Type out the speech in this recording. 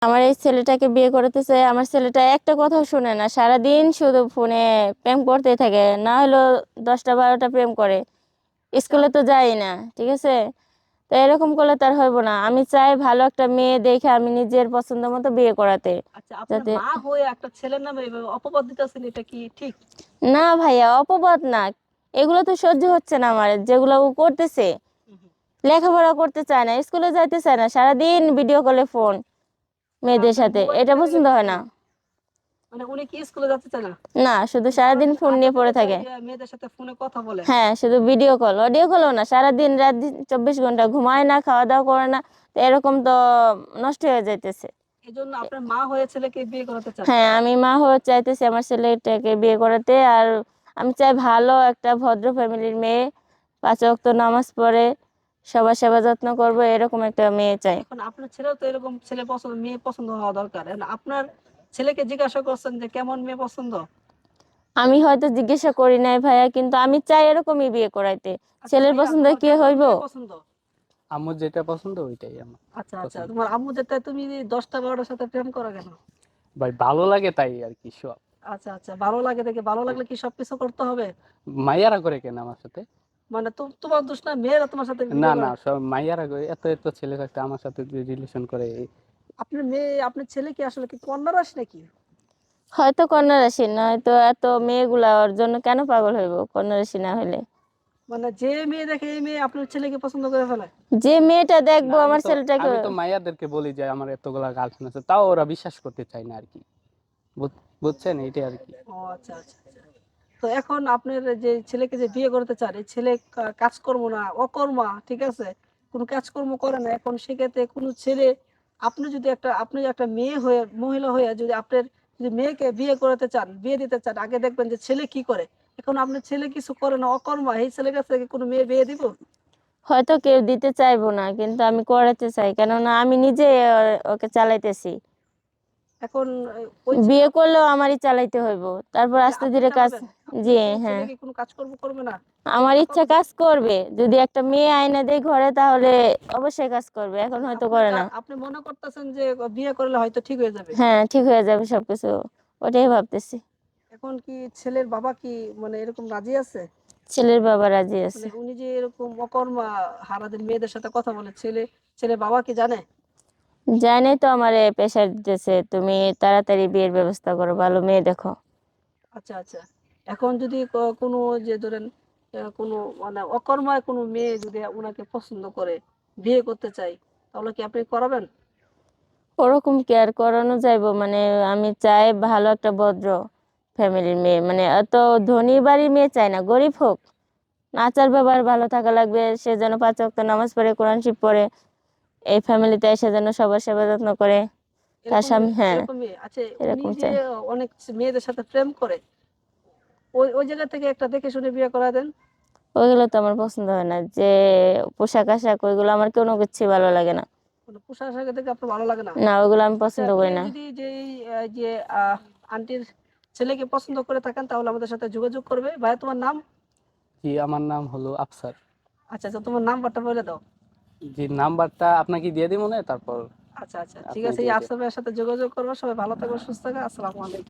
আমার এই ছেলেটাকে বিয়ে করতে চাই। আমার ছেলেটা একটা কথাও শুনে না, সারাদিন শুধু ফোনে প্রেম করতেই থাকে। না হলো 10টা 12টা প্রেম করে। আচ্ছা স্কুলে তো যাই না, ঠিক আছে। তো এরকম করলে তার হইব না। আমি চাই ভালো একটা মেয়ে দেখে আমি নিজের পছন্দ মতো বিয়ে করাতে। আচ্ছা, আপনার যাতে মা হয়ে একটা ছেলের নামে এভাবে অপবাদ দিতেছেন, এটা কি ঠিক? না ভাইয়া, অপবাদ না। এগুলো তো সহ্য হচ্ছে না আমার, যেগুলো ও করতেছে। হুম, হুম। লেখাপড়া করতে চায় না, স্কুলে যাইতে চায় না, সারাদিন ভিডিও কলে ফোন মানে মেয়েদের আপনার সাথে। মোবাইল এটা কেড়ে পছন্দ হয় নিচ্ছে না। না? মানে উনি কি স্কুলে যেতে চায় না? না, শুধু শুধু সারাদিন সারাদিন ফোন আড্ডা নিয়ে পড়ে দিতে চায়, থাকে। মেয়েদের সাথে ফোনে কথা বলে। হ্যাঁ, শুধু ভিডিও কল, অডিও কলও না, সারাদিন রাত দিন 24 ঘন্টা ঘুমায় না, খাওয়া দাওয়া করে না। তো এরকম তো নষ্ট হয়ে যাইতেছে। এজন্য আপনার মা হয়ে ছেলেকে বিয়ে করাতে চান? হ্যাঁ, আমি মা হয়ে চাইতেছি আমার ছেলেটাকে বিয়ে করাতে। আর আমি চাই ভালো একটা ভদ্র ফ্যামিলির মেয়ে, 5 ওয়াক্ত নামাজ পড়ে, সবার সেবা যত্ন করবো, এরকম একটা মেয়ে চাই। এখন আপনার ছেলেও তো এরকম ছেলে পছন্দ, মেয়ে পছন্দ হওয়া দরকার। এখন আপনার ছেলেকে জিজ্ঞাসা করছেন যে কেমন মেয়ে পছন্দ? আমি হয়তো জিজ্ঞাসা করি নাই ভাইয়া, কিন্তু আমি চাই এরকমই বিয়ে করাইতে। আচ্ছা ছেলের ভাইয়া, পছন্দ তোমার কি কেমন হইব? মেয়ে পছন্দ? আমার যেটা পছন্দ ওইটাই আমার আচ্ছা আচ্ছা, পছন্দ। তোমার আম্মু যেটা, তুমি 10টা 12টার সাথে প্রেম করো কেন? ভাই ভালো লাগে তাই আর কি সব। আচ্ছা আচ্ছা, ভালো লাগে দেখে, ভালো লাগলে কি সবকিছু করতে হবে? মাইয়ারা করে কেন আমার সাথে? মানে তোমার দোষ না, মেয়েরা তোমার সাথে না ভিডিও না, করে? সব মাইয়ারা করে। এত এত ছেলে থাকতে আমার সাথে রিলেশন করে। আপনার মেয়ে, আপনার ছেলে কি আসলে কি কন্যা রাশি নাকি? হয়তো কন্যা রাশি, নয়তো এত মেয়েগুলা ওর জন্য কেন পাগল হইব কন্যা রাশি না হলে? মানে যে মেয়ে দেখে এই মেয়ে আপনার ছেলেকে পছন্দ করে ফেলে? যে মেয়েটা না দেখবো আমি আমার তো ছেলেটাকে। আমি তো মাইয়াদেরকে বলি যে আমার এতগুলা গার্লফ্রেন্ড আছে, তাও ওরা বিশ্বাস করতে চায় না আর কি। বুঝছেন, এইটাই আর কি। ও আচ্ছা আচ্ছা আচ্ছা। তো এখন আপনার যে ছেলেকে যে বিয়ে করতে চান, এই ছেলে কাজকর্ম না অকর্মা, ঠিক আছে, কোনো কাজকর্ম করে না। এখন সেক্ষেত্রে কোনো ছেলে, আপনি একটা মেয়ে হয়ে, মহিলা হয়ে যদি আপনার, যদি মেয়েকে বিয়ে করাতে চান, বিয়ে দিতে চান, আগে দেখবেন যে ছেলে কি করে। এখন আপনার ছেলে কিছু করে না, অকর্মা, এই ছেলের কাছ থেকে কোনো মেয়ে বিয়ে দিব? হয়তো কেউ দিতে চাইবো না, কিন্তু আমি করাতে চাই, কেননা আমি নিজে ওকে চালাইতেছি। এখন ওই বিয়ে করলেও আমারই চালাইতে হইব, তারপর আচ্ছা, আস্তে আপনি ধীরে কাজ। চালাবেন? জি। আপনার ছেলে হ্যাঁ, কি কোনো কাজকর্ম করবে না? আমার এটা ইচ্ছা কতদিন? কাজ করবে। যদি একটা মেয়ে আইনা দেয় ঘরে, তাহলে অবশ্যই কাজ করবে, এখন মানে হয়তো আপনি করে না। আপনি মনে করতেছেন যে বিয়ে করলে হয়তো ঠিক হয়ে যাবে? হ্যাঁ, ঠিক হয়ে যাবে সবকিছু, ওটাই ভাবতেছি। এখন কি ছেলের বাবা কি মানে এরকম রাজি আছে? ছেলের বাবা রাজি আছে। মানে উনি যে এরকম অকর্মা, হারাদিন মেয়েদের সাথে কথা বলে, ছেলে বাবা কি জানে? জানে তো আমারে প্রেশার দিতেছে, তুমি তাড়াতাড়ি বিয়ের ব্যবস্থা করো, ভালো মেয়ে দেখো। আচ্ছা আচ্ছা। এখন যদি কোনো, যে ধরেন কোনো মানে অকর্মায় কোনো মেয়ে যদি ওনাকে পছন্দ করে, বিয়ে করতে চাই, তাহলে কি আপনি করাবেন? ওরকম কেয়ার করানো যাইবো মানে? আমি চাই ভালো একটা ভদ্র ফ্যামিলির মেয়ে, মানে এত ধনী বাড়ির মেয়ে চাই না, গরিব হোক, আচার ব্যবহার ভালো থাকা লাগবে। সে যেন 5 ওয়াক্ত নামাজ পড়ে, কোরআন শরীফ পড়ে, এই ফ্যামিলিতে এসে যেন সবার সেবা যত্ন করে। তার এরকম স্বামী, হ্যাঁ, এরকম মেয়ে আচ্ছা। উনি এরকম যে চাই। অনেক মেয়েদের সাথে প্রেম করে, ওই ওই জায়গা থেকে একটা দেখে শুনে বিয়ে করা দেন। ওইগুলো তো আমার পছন্দ হয় না, যে পোশাক আশাক, ওইগুলো আমার কোনো কিছু ভালো লাগে না। কোনো পোশাক আশাক দেখে আপনার ভালো লাগে না? না, ওইগুলো আমি আচ্ছা, পছন্দ আপনি করি না। যদি যে যে আন্টির ছেলেকে পছন্দ করে থাকেন, তাহলে আমাদের সাথে যোগাযোগ করবে। ভাইয়া, তোমার নাম? জি, আমার নাম হলো আফসার। আচ্ছা আচ্ছা, তোমার নাম্বারটা বলে দাও। জি, নাম্বারটা আপনাকে দিয়ে দিব, মনে তারপর আচ্ছা আচ্ছা, ঠিক আপনি আছে, এই দিয়ে দিন। আফসার ভাইয়ের সাথে যোগাযোগ করবো। সবাই ভালো থাকবে, সুস্থ থাকবে। আসসালামু আলাইকুম।